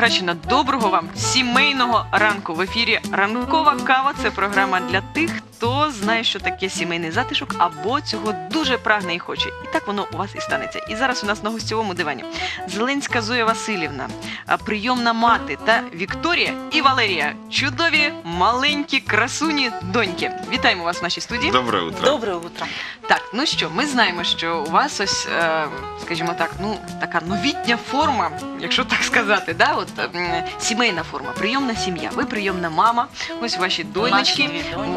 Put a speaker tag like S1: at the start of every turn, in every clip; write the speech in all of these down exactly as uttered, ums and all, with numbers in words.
S1: Грачина, доброго вам сімейного ранку. В ефірі «Ранкова кава» – це програма для тих, хто знає, що таке сімейний затишок, або цього дуже прагне і хоче. І так воно у вас і станеться. І зараз у нас на гостьовому дивані Зеленська Зоя Василівна, прийомна мати, та Вікторія і Валерія. Чудові, маленькі, красуні доньки. Вітаємо вас в нашій студії.
S2: Доброе утро.
S3: Доброе утро.
S1: Так, ну що, ми знаємо, що у вас ось, е, скажімо так, ну, така новітня форма, якщо так сказати, да? От, е, сімейна форма, прийомна сім'я. Ви прийомна мама, ось ваші донечки,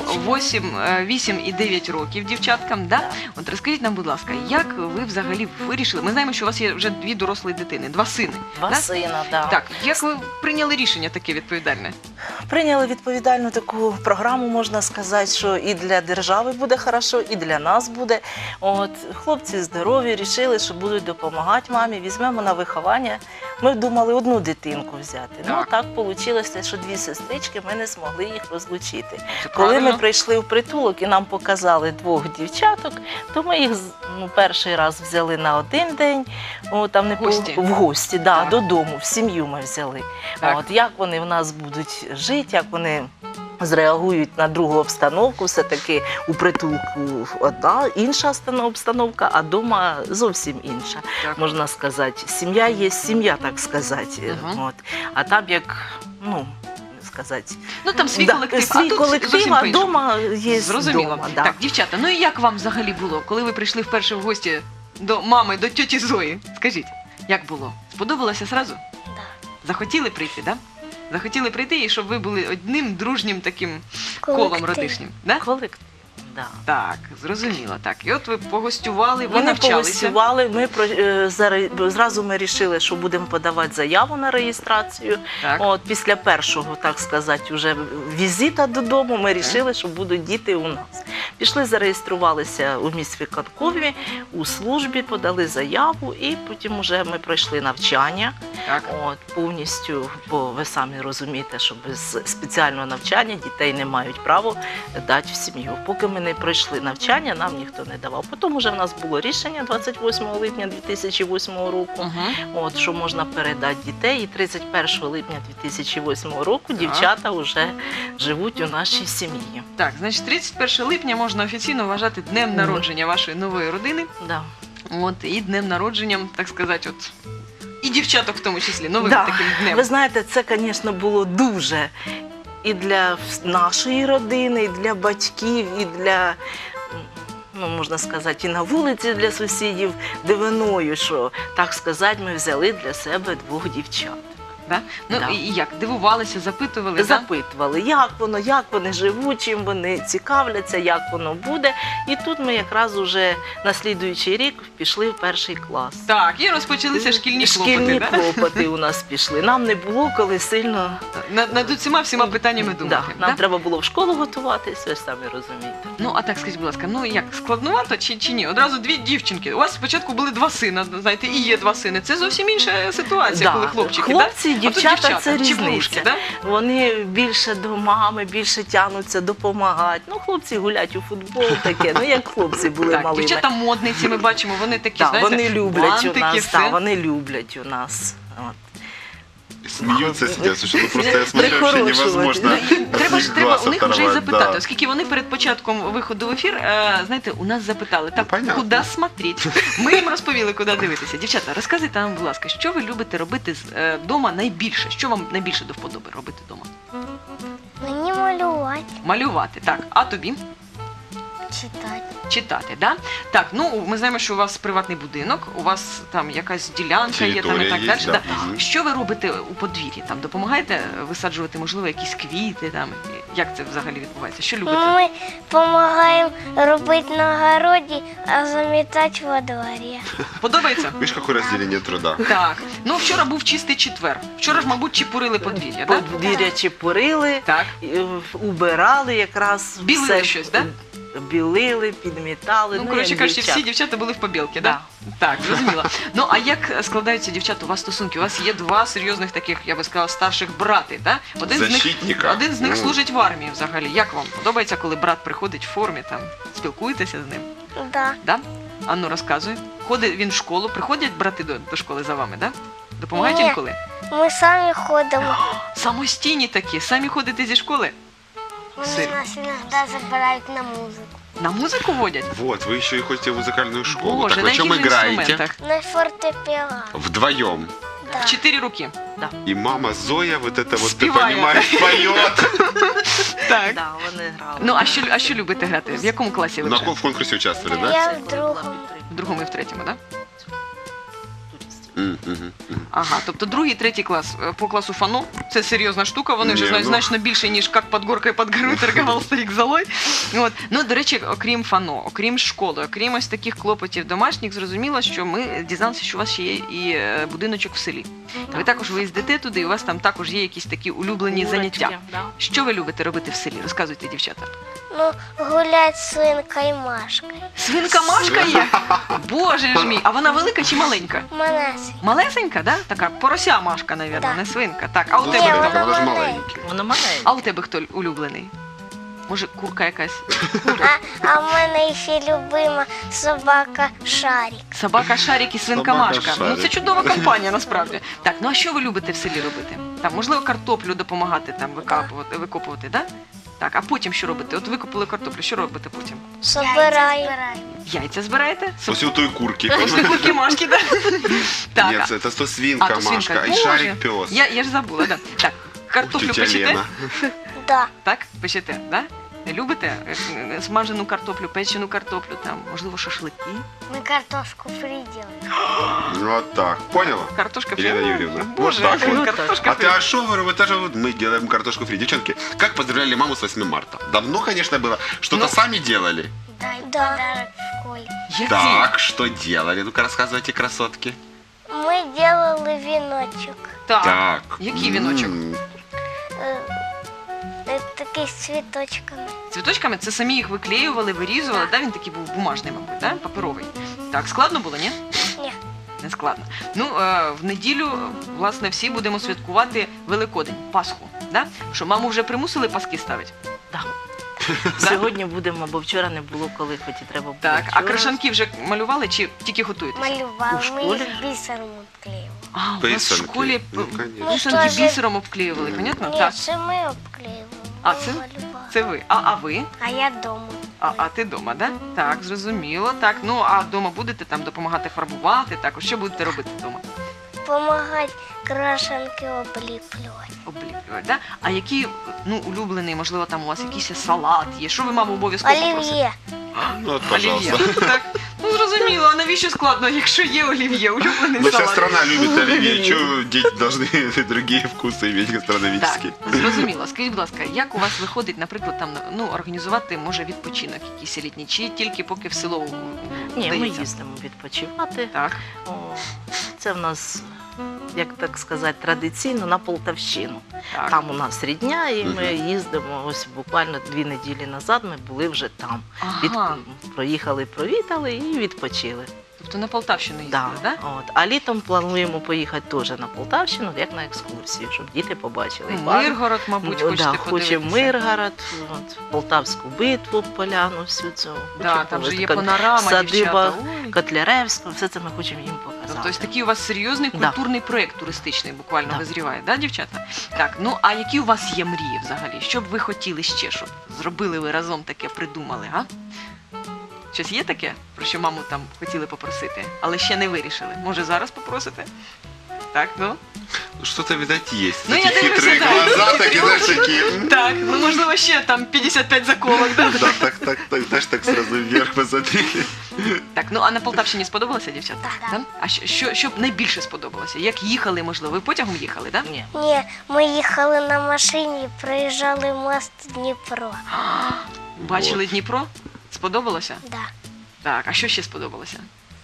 S1: вісім і дев'ять років дівчаткам. Да? От розкажіть нам, будь ласка, як ви взагалі вирішили? Ми знаємо, що у вас є вже дві дорослі дитини, два сини.
S3: Два
S1: да?
S3: сина, да.
S1: Так, як ви прийняли рішення таке відповідальне?
S3: Прийняли відповідальну таку програму, можна сказати, що і для держави буде хорошо, і для нас буде. От, хлопці здорові, рішили, що будуть допомагати мамі, візьмемо на виховання. Ми думали одну дитинку взяти.
S1: Так.
S3: Ну так вийшло, що дві сестрички, ми не змогли їх розлучити.
S1: Це
S3: Коли
S1: правильно.
S3: ми прийшли в притулок і нам показали двох дівчаток, то ми їх ну, перший раз взяли на один день, о, там не
S1: В гості?
S3: в гості, да,
S1: Так.
S3: додому, в сім'ю ми взяли.
S1: Так.
S3: От, як вони в нас будуть жити, як вони зреагують на другу обстановку, все-таки у притулку одна, інша обстановка, а вдома зовсім інша,
S1: Так.
S3: можна сказати. Сім'я є сім'я, так сказати.
S1: Мгм.
S3: От. А там як, ну, сказати,
S1: Ну там свій
S3: да,
S1: колектив,
S3: свій
S1: а тут
S3: колектив,
S1: зовсім
S3: а
S1: по-іншому.
S3: вдома є
S1: Зрозуміло.
S3: вдома, да.
S1: Так, дівчата, ну і як вам взагалі було, коли ви прийшли вперше в гості до мами, до тьоті Зої? Скажіть, як було? Сподобалося зразу?
S4: Да.
S1: Захотіли прийти, да? Захотіли прийти, і щоб ви були одним дружнім таким колом
S4: Колектив.
S1: родишнім, да?
S3: Колектив, да.
S1: Так, зрозуміло, так. І от ви погостювали, ви
S3: Вони
S1: навчалися.
S3: погостювали, ми про- е, заре- зразу ми вирішили, що будемо подавати заяву на реєстрацію.
S1: Так.
S3: От, після першого, так сказати, вже візита додому ми вирішили, що будуть діти у нас. Пішли, зареєструвалися у міськвиконкомі, у службі, подали заяву, і потім вже ми пройшли навчання.
S1: Так.
S3: От, повністю, бо ви самі розумієте, що без спеціального навчання дітей не мають права дати в сім'ю. Поки ми не пройшли навчання, нам ніхто не давав. Потім вже в нас було рішення двадцять восьмого липня дві тисячі восьмого року,
S1: Угу.
S3: от, що можна передати дітей. І тридцять першого липня дві тисячі восьмого року дівчата вже живуть у нашій сім'ї.
S1: Так, значить, тридцять першого липня можна офіційно вважати днем
S3: Мгм.
S1: народження вашої нової родини.
S3: Да.
S1: От, і днем народженням, так сказати, от, і дівчаток в тому числі, новим
S3: Да.
S1: таким днем.
S3: Ви знаєте, це, звісно, було дуже і для вс- нашої родини, і для батьків, і для, ну, можна сказати, і на вулиці для сусідів дивиною, що, так сказати, ми взяли для себе двох дівчат.
S1: Да? Ну
S3: Да.
S1: і і як? Дивувалися, запитували, да?
S3: Запитували, як воно, як вони живуть, чим вони цікавляться, як воно буде. І тут ми якраз уже на слідуючий рік пішли в перший клас.
S1: Так, і розпочалися шкільні клопоти,
S3: Шкільні
S1: да?
S3: клопоти у нас пішли. Нам не було коли сильно.
S1: Над, над усіма всіма питаннями
S3: Да,
S1: думати.
S3: нам
S1: да?
S3: треба було в школу готуватись, ви ж самі розумієте.
S1: Ну, а так скажіть, будь ласка, ну як, складнувато чи, чи ні? Одразу дві дівчинки. У вас спочатку були два сина, знаєте, і є два сини. Це зовсім інша ситуація,
S3: Да.
S1: коли хлопчики,
S3: Хлопці,
S1: да? А тут
S3: дівчата, це
S1: чи
S3: різниця.
S1: подружки, да?
S3: Вони більше до мами, більше тягнуться, допомагають. Ну, хлопці гулять у футбол таке, ну як хлопці були
S1: Так,
S3: малими.
S1: дівчата модниці, ми бачимо, вони такі,
S3: Да,
S1: знаєте,
S3: вони люблять
S1: бантики,
S3: у нас,
S1: все.
S3: да, вони люблять у нас. От.
S2: Смеются, сидят. Слушай, ну просто я смотрю, вообще
S3: Прихорошивать.
S2: невозможно.
S1: Ну, і треба ж
S2: от
S1: треба
S2: глаз
S1: у них вже й
S2: оторвать,
S1: запитати,
S2: да.
S1: оскільки вони перед початком виходу в ефір, е, знаєте, у нас запитали, так,
S2: понятно.
S1: куди смотреть? Ми їм розповіли, куди дивитися. Дівчата, розказуйте нам, будь ласка, що ви любите робити вдома найбільше? Що вам найбільше до вподоби робити вдома?
S4: Мені малювати,
S1: Малювати, так. А тобі?
S4: читати.
S1: Читати, да? Так, ну ми знаємо, що у вас приватний будинок, у вас там якась ділянка є там і
S2: Територія
S1: так
S2: є,
S1: далі.
S2: да.
S1: Да.
S2: Мгм.
S1: Що ви робите у подвір'ї? Там допомагаєте висаджувати, можливо, якісь квіти там? Як це взагалі відбувається? Що любите?
S4: Ми допомагаємо робити на городі, а замітати во дворі.
S1: Подобається?
S2: Видишь, какое разделение труда.
S1: Так. Ну вчора був чистий четвер. Вчора ж, мабуть, чепурили подвір'я, так?
S3: Подвір'я чепурили,
S1: Так.
S3: е, убирали якраз.
S1: Білили
S3: все.
S1: щось, так?
S3: Білили, підмітали.
S1: Ну, коротше
S3: як
S1: кажучи,
S3: дівчата.
S1: всі дівчата були в побілки,
S3: Да.
S1: так? Так, зрозуміло. Ну, а як складаються, дівчата, у вас стосунки? У вас є два серйозних таких, я би сказала, старших брати, так? Один з них,
S2: Защитника.
S1: один з них
S2: Ну.
S1: служить в армії взагалі. Як вам подобається, коли брат приходить в формі, там, спілкуєтеся з ним?
S4: Да.
S1: Да? Анну, розказуй. Ходить він в школу, приходять брати до, до школи за вами, так? Да? Допомагають
S4: Ні.
S1: інколи?
S4: Ми самі ходимо.
S1: Самостійні такі, самі ходите зі школи?
S4: Вони нас іноді забирають на музику.
S1: На музику водять?
S2: Вот, вы еще и ходите в музыкальную школу.
S1: Боже,
S2: так
S1: на
S2: на чем
S1: яких
S2: играете?
S1: інструментах?
S4: На фортепіано.
S2: Вдвоем.
S4: Да.
S1: В чотири руки.
S2: И мама Зоя вот это вот, ты
S1: Спевает.
S2: понимаешь, поет.
S1: Так.
S3: Да, вони грали.
S1: Ну, а що, а що любите грати? В якому класі ви
S2: На
S1: вже?
S2: кон- в конкурсе участвовали, да?
S4: Я
S3: Це
S4: в
S3: коли
S4: другому.
S3: була підтримка
S1: В другому і в третьому, так? Да?
S2: М, мгм, мгм.
S1: Ага, тобто другий, третій клас е, по класу фано. Це серйозна штука, вони вже
S2: Ні,
S1: знають
S2: ну.
S1: значно більше, ніж як під горкою під горою торгував старик золой. От. Ну, до речі, окрім фано, окрім школи, окрім ось таких клопотів домашніх, зрозуміло, що ми дізналися, що у вас ще є і е, будиночок в селі. Ви також виїздите туди, і у вас там також є якісь такі улюблені
S3: Курочки,
S1: заняття.
S3: да.
S1: Що ви любите робити в селі? Розказуйте, дівчата.
S4: Ну, гулять з свинкою Машкою.
S1: Свинка Машка є? Боже ж мій, а вона велика чи маленька?
S4: Манасі.
S1: Малесенька, да? Така порося Машка, навірно,
S4: Так.
S1: не свинка. Так, а у
S2: Ну,
S1: тебе
S4: Ні,
S1: хто?
S2: смотрите,
S4: вона
S2: она же
S4: маленькая.
S2: маленький.
S3: Воно маленьке.
S1: А у тебе хто улюблений? Може, курка якась?
S4: А, а в мене ще любима собака Шарік.
S1: Собака Шарік і свинка
S2: Собака
S1: Машка. Ну
S2: Шарік.
S1: це чудова компанія насправді. Так, ну а що ви любите в селі робити? Там, можливо, картоплю допомагати там викапувати, викопувати, да? Так, а потім що робите? От викопали картоплю, що робите потім?
S4: Собираю.
S1: Яйця збираєте?
S2: После у той курки.
S1: Після курки Машки, да? Так,
S2: Нет,
S1: а-
S2: это то свинка
S1: а, то свинка.
S2: Машка и
S1: Боже,
S2: шарик пес.
S1: Я, я ж забула, да. Так, картоплю
S2: Тетя
S1: печете?
S2: Лена.
S4: Да.
S1: Так, печете, да? Любите е, е, смажену картоплю, печену картоплю, там, можливо, шашлики?
S4: Ми картошку фрі робимо.
S2: Вот так. Поняла?
S1: Картошка фрі?
S2: Елена Юрьевна,
S1: Боже,
S2: вот так вот.
S1: картошка
S2: А
S1: фрі.
S2: ты а что, говорю, это же вот мы делаем картошку фри. Девчонки, как поздравляли маму с восьмым марта? Давно, конечно, было. Что-то
S1: Ну.
S2: сами делали?
S4: Дай подарок в школі.
S1: Які?
S2: Так, что делали? Ну-ка рассказывайте, красотки.
S4: Ми робили віночок.
S1: Так.
S2: Так.
S1: Який віночок?
S2: М,
S4: Е, е, Такий з цвіточками.
S1: Цвіточками це самі їх виклеювали, вирізували, да? Він такий був бумажний, мабуть, да? Паперовий. Так, складно було, ні?
S4: Ні.
S1: Не складно. Ну, е, в неділю, власне, всі будемо святкувати Великодень, Пасху. Да? Що, маму вже примусили паски ставити?
S3: Да.
S1: Да?
S3: Сьогодні будемо, бо вчора не було коли, хоч і треба було.
S1: Так, а
S3: вчора.
S1: крашанки вже малювали чи тільки готуєтесь?
S4: Малювали.
S3: У
S4: Ми
S3: школі?
S4: їх бісером обклеїли.
S1: А, у вас в
S2: Писанки.
S1: школі
S2: Ну,
S1: п-
S2: конечно.
S1: писанки
S4: Ну, що ж-
S1: бісером обклеювали, понятно?
S4: Ні,
S1: Так,
S4: це ми обклеїли.
S1: А,
S4: ми
S1: це-
S4: малювали.
S1: це ви. А, а ви?
S4: А я вдома.
S1: А, а ти вдома, да? Так, зрозуміло. Так, ну а вдома будете там допомагати фарбувати, також що будете робити вдома?
S4: Помагати крашенки обліплювати.
S1: Обліплювати, да? А який, ну, улюблений, можливо, там у вас якийсь салат є? Що ви маму обов'язково попросите?
S4: Олів'є.
S2: Ну, вот,
S1: Олів'є.
S2: пожалуйста.
S1: Так, ну зрозуміло, а навіщо складно, якщо є олів'є, улюблений
S2: Ну, вся
S1: салат?
S2: страна любит оливье. Чего дети должны другие вкусы иметь
S1: Так,
S2: гастрономические?
S1: зрозуміло. Скажіть, будь ласка, як у вас виходить, наприклад, там ну організувати може відпочинок якийсь літній, чи тільки поки в село м,
S3: Ні, ми
S1: вдається?
S3: їздимо відпочивати.
S1: Так,
S3: О, це в нас, як так сказати, традиційно на Полтавщину.
S1: так.
S3: Там у нас рідня, і ми
S2: Мгм.
S3: їздимо. Ось буквально дві неділі назад ми були вже там. Від...
S1: Ага.
S3: Проїхали, провітали і відпочили.
S1: Тобто на Полтавщину їздили,
S3: Да.
S1: так? Да?
S3: От. А літом плануємо поїхати теж на Полтавщину, як на екскурсію, щоб діти побачили.
S1: Ну,
S3: парк.
S1: Миргород, мабуть,
S3: Ну,
S1: хочете
S3: да,
S1: подивитися.
S3: хочемо Миргород, от, Полтавську битву, поляну, всю цю.
S1: Да,
S3: Хочемо
S1: там же є
S3: така
S1: панорама,
S3: садиба
S1: дівчата. Ой.
S3: Котляревська, все це ми хочемо їм показати.
S1: Тобто ось такий у вас серйозний
S3: Да.
S1: культурний проєкт туристичний буквально
S3: Да.
S1: визріває, да, дівчата? Так, ну а які у вас є мрії взагалі? Що б ви хотіли ще, щоб зробили ви разом таке, придумали, га? Щось є таке, про що маму там хотіли попросити, але ще не вирішили? Може зараз попросите? Так, ну?
S2: Ну, что-то, видать, есть.
S1: Ну,
S2: Эти
S1: я дивлюся,
S2: хитрые
S1: да.
S2: глаза, такие, знаешь, такие. м,
S1: Так, ну можливо ще там п'ятдесят п'ять заколок, да?
S2: Да, так, так, так, знаешь, так сразу вверх посмотрели.
S1: Так, ну а на Полтавщині сподобалося, дівчата?
S4: Так.
S1: Да? А що, що, що б найбільше сподобалося? Як їхали, можливо? Ви потягом їхали, так? Да?
S3: Ні.
S4: Ні, ми їхали на машині і проїжджали мост Дніпро.
S1: Бачили Дніпро? Сподобалося?
S4: Да.
S1: Так, а що ще сподобалося?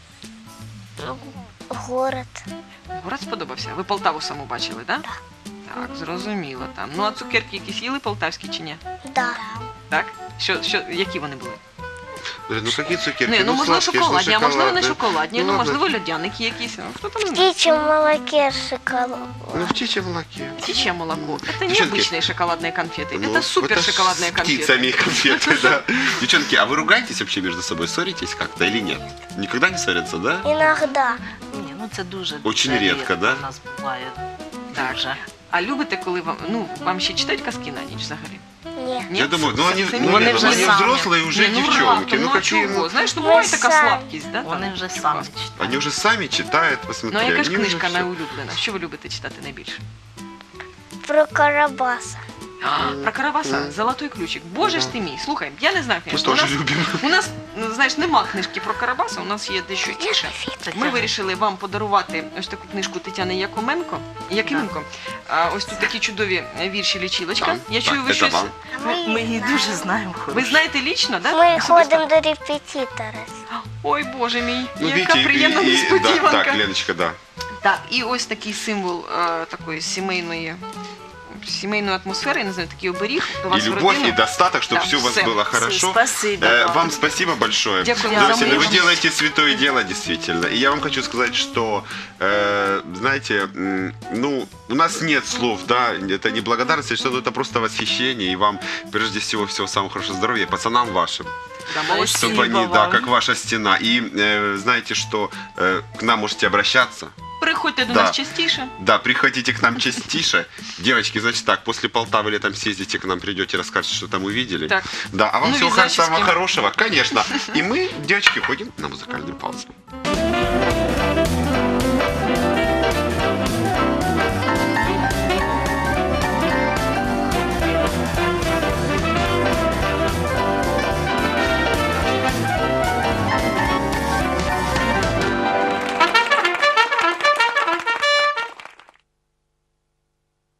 S4: Город.
S1: Город сподобався? Ви Полтаву саму бачили, так? Да? Так, зрозуміло там. Ну а цукерки якісь їли полтавські чи ні?
S4: Да.
S1: Так? Що, що, які вони були?
S2: Говорю, ну какие цукерки?
S1: Не, ну можливо
S2: сладкие, что
S1: шоколадні, а можливо не
S2: шоколадные.
S1: шоколадні,
S2: Ну,
S1: ну
S2: ладно.
S1: можливо льодяники якісь. Ну, хто там
S4: В
S1: знає?
S4: птичьем молоке шоколад.
S2: Ну, в птичьем молоке.
S1: Птичье молоко. Это
S2: Девчонки,
S1: необычные шоколадные конфеты.
S2: Ну,
S1: это супер
S2: это ж
S1: шоколадные
S2: с
S1: конфеты.
S2: птицами конфеты, да. Девчонки, а вы ругаетесь вообще между собой? Ссоритесь как-то или нет? Никогда не ссорятся, да?
S4: Иногда.
S3: Ні, ну це дуже
S2: Очень
S3: дуже
S2: рідко, да?
S3: У нас буває.
S1: Так.
S3: Дуже.
S1: А любите, коли вам, ну, вам ще читають казки на ніч взагалі?
S4: Ні.
S1: Ні?
S2: Я думаю, ну они,
S1: Це
S2: ну,
S3: Вони
S2: нет,
S3: вже
S2: ну, они
S3: самі.
S2: взрослые уже
S1: Ні, ну,
S2: девчонки.
S1: раптом,
S2: Ну
S1: ну, а
S2: какие,
S1: чого?
S2: ну,
S1: Знаєш, ну буває
S4: Ми
S1: така
S4: самі.
S1: слабкість, да?
S3: Вони
S1: там,
S3: вже
S1: чи у
S3: самі
S1: вас?
S3: читають.
S2: они уже сами читают, посмотри.
S1: Ну а яка ж
S2: они уже
S1: книжка
S2: всё.
S1: найулюблена? Що ви любите читати найбільше?
S4: Про Карабаса.
S1: Про Карабаса, Золотой ключик. Боже ж ти мій, слухай, я не знаю,
S2: Мы
S1: звісно, у
S2: тоже
S1: нас,
S2: любим.
S1: у нас, ну, знаєш, нема книжки про Карабаса, у нас є дещо інше. Ми вирішили вам подарувати ось таку книжку Тетяни Якименко. Якименко. А, ось тут такі чудові вірші лічилочка.
S2: Так,
S1: Я
S2: так,
S1: чую, ви
S2: це
S1: щось.
S2: вам.
S3: Ми, ми її дуже знаємо.
S1: Ви
S3: хорошо.
S1: знаєте лічно, да?
S4: Ми
S1: Особисто?
S4: ходимо до репетитора.
S1: Ой, Боже мій,
S2: Ну,
S1: яка
S2: видите, и-
S1: приємна
S2: и- да,
S1: несподіванка.
S2: так, Леночка, да.
S1: Так, і ось такий символ е, такої сімейної, сімейної атмосфери, я не знаю, такий оберіг до
S2: И
S1: вас в
S2: любовь,
S1: родину.
S2: и достаток, чтобы
S1: Да,
S2: все у вас
S1: всё.
S2: было хорошо.
S3: Спасибо
S2: Э,
S3: вам.
S2: Вам спасибо большое.
S1: Дякую
S3: за
S2: Друзья, вы
S1: мужество.
S2: делаете святое дело, действительно. И я вам хочу сказать, что, э, знаете, м, ну, у нас нет слов, да, это не благодарность, а что-то, это просто восхищение. И вам, прежде всего, всего самого хорошего здоровья, пацанам вашим.
S1: Да, молодці.
S3: Спасибо.
S2: Чтобы они, да,
S3: вам.
S2: как ваша стена. И э, знаете, что э, к нам можете обращаться.
S1: Приходьте до
S2: Да.
S1: нас частіше.
S2: Да, приходите к нам частише. Девочки, значит так, после Полтавы летом съездите к нам, придете, расскажете, что там увидели.
S1: Так.
S2: Да, а вам
S1: Ну,
S2: всего
S1: вязальщицким.
S2: самого хорошего, конечно. И мы, девочки, ходим на музыкальную паузу.